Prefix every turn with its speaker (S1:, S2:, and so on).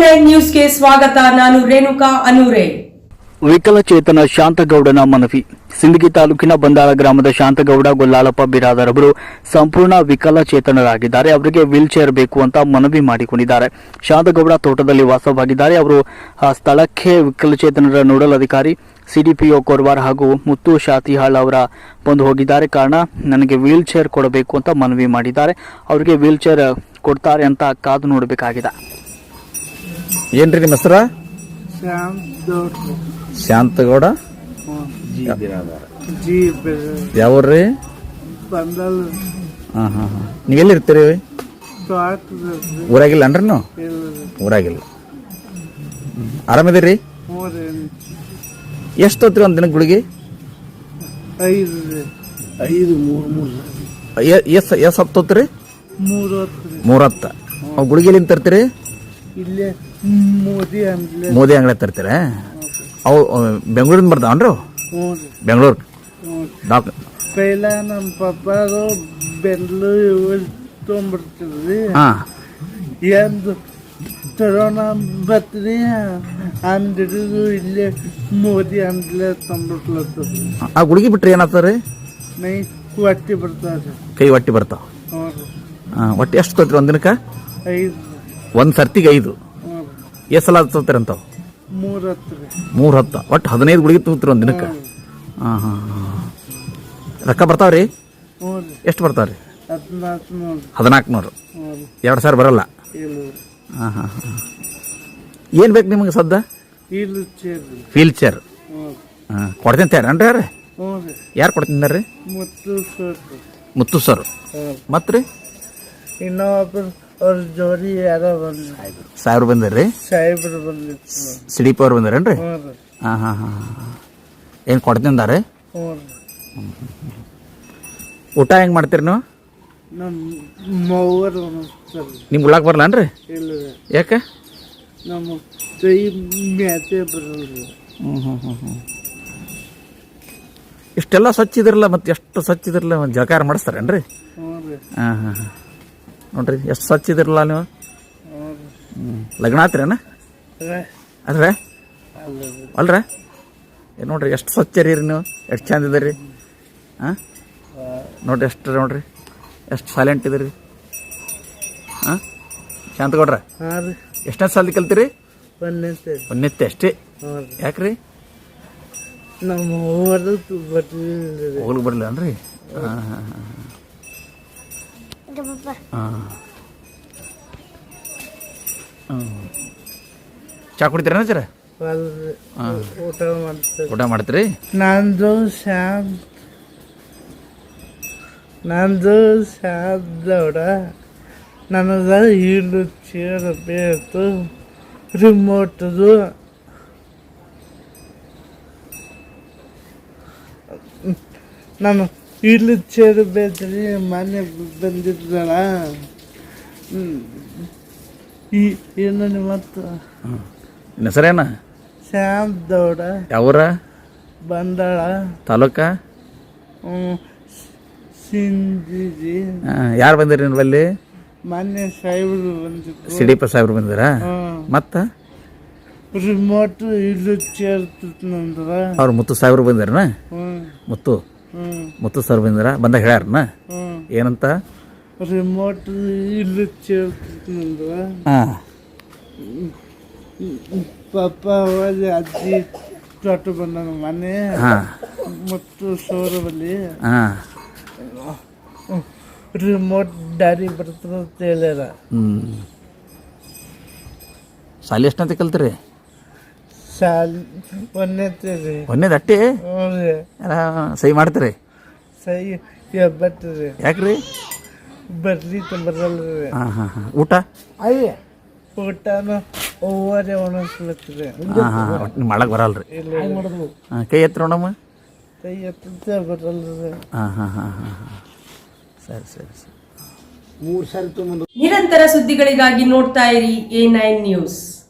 S1: A9 ನ್ಯೂಸ್ಗೆ ಸ್ವಾಗತ. ನಾನು ರೇಣುಕಾ ಅನೂರೆ.
S2: ವಿಕಲಚೇತನ ಶಾಂತಗೌಡನ ಮನವಿ. ಸಿಂದಗಿ ತಾಲೂಕಿನ ಬಂದಾಳ ಗ್ರಾಮದ ಶಾಂತಗೌಡ ಗೊಲ್ಲಾಳಪ್ಪ ಬಿರಾದರವರು ಸಂಪೂರ್ಣ ವಿಕಲಚೇತನರಾಗಿದ್ದಾರೆ. ಅವರಿಗೆ ವೀಲ್ ಚೇರ್ ಬೇಕು ಅಂತ ಮನವಿ ಮಾಡಿಕೊಂಡಿದ್ದಾರೆ. ಶಾಂತಗೌಡ ತೋಟದಲ್ಲಿ ವಾಸವಾಗಿದ್ದಾರೆ. ಅವರು ಆ ಸ್ಥಳಕ್ಕೆ ವಿಕಲಚೇತನರ ನೋಡಲ್ ಅಧಿಕಾರಿ ಸಿಡಿಪಿಒ ಕೊರವಾರ್ ಹಾಗೂ ಮುತ್ತು ಶಾತಿಹಾಳ್ ಅವರ ಬಂದು ಹೋಗಿದ್ದಾರೆ. ಕಾರಣ ನನಗೆ ವೀಲ್ ಚೇರ್ ಕೊಡಬೇಕು ಅಂತ ಮನವಿ ಮಾಡಿದ್ದಾರೆ. ಅವರಿಗೆ ವೀಲ್ ಚೇರ್ ಕೊಡ್ತಾರೆ ಅಂತ ಕಾದು ನೋಡಬೇಕಾಗಿದೆ.
S3: ಏನ್ರಿ ನಿಮ್ಮ ಹೆಸರ? ಶಾಂತಗೌಡ ಯಾವ್ರಿ? ನೀವೆಲ್ಲಿರ್ತೀರಿ? ಊರಾಗಿಲ್ಲ ಅನ್ರಿ ನೀವು? ಊರಾಗಿಲ್ಲ. ಆರಾಮಿದ್ದೀರಿ? ಎಷ್ಟು ಹೊತ್ರಿ ಒಂದ್ ದಿನಕ್ಕೆ ಗುಳಿಗೆ? ಎಷ್ಟು ಹತ್ತೋತ್ರಿ? 3 ಅವ್ ಗುಳಿಗೆಲಿಂದ ತರ್ತೀರಿ? ಮೋದಿ ಅಂಗಡಿ ತರ್ತೀರ? ಅವು ಬೆಂಗಳೂರಿಂದ ಬರ್ತಾವನ್ರಿ? ಬೆಂಗಳೂರು ಡಾಕ್ಟರ್
S4: ಪೈಲ ನಮ್ಮ ಪಪ್ಪಾರು ಬೆಂಗಳೂರು ತೊಗೊಂಡ್ಬರ್ತೀವಿ. ಎಂದು ತರೋಣ ಬತ್ರಿ ಅಂದಿಡಿದು ಇಲ್ಲೇ ಮೋದಿ ಅಂದ್ಲೆ ತೊಗೊಂಡ್ಬಿಟ್ಲತ್ತದ.
S3: ಆ ಗುಳಿಗೆ ಬಿಟ್ರಿ ಏನಾಗ್ತಾರೆ?
S4: ಮೈ ಹೊಟ್ಟಿ ಬರ್ತಾವ,
S3: ಕೈ ಹೊಟ್ಟಿ ಬರ್ತಾವ. ಹೊಟ್ಟಿ ಎಷ್ಟು ತೊಗೊತೀರಿ ಒಂದ್ ದಿನಕ್ಕೆ?
S4: 5.
S3: ಒಂದ್ ಸರ್ತಿಗೆ 5. ಎಷ್ಟು ಸಲ ಹತ್ತೋತೀರಿ ಅಂತಾವ?
S4: 3
S3: ಒಟ್ಟು 15 ಗುಳಿಗೆ ತಗೋತೀರಿ ಒಂದ್ ದಿನಕ್ಕೆ? ರೊಕ್ಕ ಬರ್ತಾವ್ರಿ? ಎಷ್ಟು ಬರ್ತಾವ್ರಿ? 1400. 2,000 ಬರಲ್ಲ? ಏನ್ ಬೇಕು ನಿಮಗೆ ಸದ್ದ? ವೀಲ್ ಚೇರ್ ಕೊಡ್ತೀನಿ ತೇರನ್ರಿ? ಯಾರು ಯಾರು ಕೊಡ್ತಿದ್ದಾರ್ರಿ? ಮುತ್ತು ಸರ್. ಮತ್ರಿ
S4: ಇನ್ನೊಬ್ಬರು ಅವ್ರ ಜೋಡಿ ಯಾರ
S3: ಸಾಹೇಬ್ರು ಬಂದ್ರಿ?
S4: ಸಾಹೇಬ್ರು ಬಂದಿತ್ತು.
S3: ಸಿಡಿಪಿ ಅವ್ರು ಬಂದಾರೇನ್ರಿ? ಏನು ಕೊಡ್ತಿದ್ದಾರೆ? ಊಟ ಹೆಂಗ್ ಮಾಡ್ತೀರಿ ನೀವು? ನಿಮ್ಗೆ ಉಳ್ಳಾಕ ಬರಲ್ಲನ್ರಿ? ಯಾಕೆ?
S4: ನಮ್ಮ ಕೈ ಮ್ಯಾತೆ ಬರಲ್ರಿ.
S3: ಇಷ್ಟೆಲ್ಲ ಸ್ವಚ್ಛ ಇದ್ರಲ್ಲ, ಮತ್ತೆ ಎಷ್ಟು ಸ್ವಚ್ಛ ಇದ್ರಲ್ಲ, ಒಂದು ಜಳಕಾರ ಮಾಡಿಸ್ತಾರೇನ್ರಿ? ನೋಡ್ರಿ ಎಷ್ಟು ಸ್ವಚ್ಛ ಇದ್ರಲ್ಲ ನೀವು. ಲಗ್ನ ಆತ್ರೇನ? ಅಲ್ರ ಅಲ್ರ ನೋಡ್ರಿ ಎಷ್ಟು ಸ್ವಚ್ಛ ರೀ ನೀವು, ಎಷ್ಟು ಚಂದ ಇದ್ದೀರಿ. ನೋಡ್ರಿ ಎಷ್ಟು, ನೋಡ್ರಿ ಎಷ್ಟು ಸೈಲೆಂಟ್ ಇದ್ದೀರಿ. ಶಾಂತಗೌಡ್ರ ಎಷ್ಟನೇ ಸಾಲ ಕಲ್ತೀರಿ? 1ನೇ ಅಷ್ಟೇ. ಯಾಕ್ರಿ?
S4: ನಮ್ಮ
S3: ಹೋಗ್ಲಿಕ್ಕೆ ಬರಲಿಲ್ಲ ಅನ್ರಿ? ಚಾ ಕುಡಿತೀರ ಸರ? ಊಟ ಮಾಡ್ತೀರಿ?
S4: ನಂದು ಶಾಂತಗೌಡ ನನಗೆ ವೀಲ್ ಚೇರ್ ಬೇಕು. ರಿಮೋಟ್ದು ನಾನು ವೀಲ್ ಚೇರ್ ಬೇಕ್ರಿ. ಮನೆ ಬಂದಿದ್ದಳ ಏನು ನಿಮ್ಮತ್ತು
S3: ಹೆಸರೇನ?
S4: ಶಾಂತಗೌಡ.
S3: ಯಾವೂರ?
S4: ಬಂದಾಳ
S3: ತಾಲೂಕ?
S4: ಸಿಂದಗಿ.
S3: ಯಾರು ಬಂದಿರಿ ನಿಮ್ಮಲ್ಲಿ?
S4: ಮೊನ್ನೆ ಸಾಹೇಬ್ರು ಬಂದಿದ್ರು.
S3: ಸಿಡಿಪ ಸಾಹೇಬ್ರು ಬಂದಿರ? ಮತ್ತ
S4: ರಿಮೋಟ್ ವೀಲ್ ಚೇರ್ ನಂದ್ರ
S3: ಅವ್ರು ಮುತ್ತು ಸಾಹೇಬ್ರು ಬಂದಿರನ? ಮುತ್ತು ಸರ್ ಬಂದಿರ? ಬಂದಾಗ ಹೇಳ್ಯಾರನ ಏನಂತ?
S4: ರಿಮೋಟ್ ವೀಲ್ ಚೇರ್ ನಂದ್ರ ಪಪ್ಪ ಹೋಗಿ ಅಜ್ಜಿ ತೋಟ ಬಂದ ಮನೆ ಮತ್ತು ಸೋರ ಬಲ್ಲಿ ರಿಮೋಟ್ ದಾರಿ ಬರ್ತದ ಅಂತ ಹೇಳ್ಯಾರ.
S3: ಸಾಲಿ ಎಷ್ಟಂತ ಕಲ್ತೀರಿ? ಒಂದೇದು ಅಟ್ಟಿ ಸಹಿ ಮಾಡ್ತೀರಿ?
S4: ಸಹಿ ಬಟ್ರಿ.
S3: ಯಾಕ್ರಿ?
S4: ಬರ್ಲಿ ಬರಲ್ರಿ.
S3: ಊಟ?
S4: ಊಟನ ಓವರೇ ಒಣಸ್ಲತ್ರಿ.
S3: ಮಾಡಕ್ ಬರಲ್ರಿ? ಕೈ ಎತ್ತರ ನೋಡಮ್ಮ.
S4: ಕೈ ಎತ್ತ ಬರಲ್ರಿ.
S3: ಸರಿ.
S1: ನಿರಂತರ ಸುದ್ದಿಗಳಿಗಾಗಿ ನೋಡ್ತಾ ಇರಿ A9 ನ್ಯೂಸ್.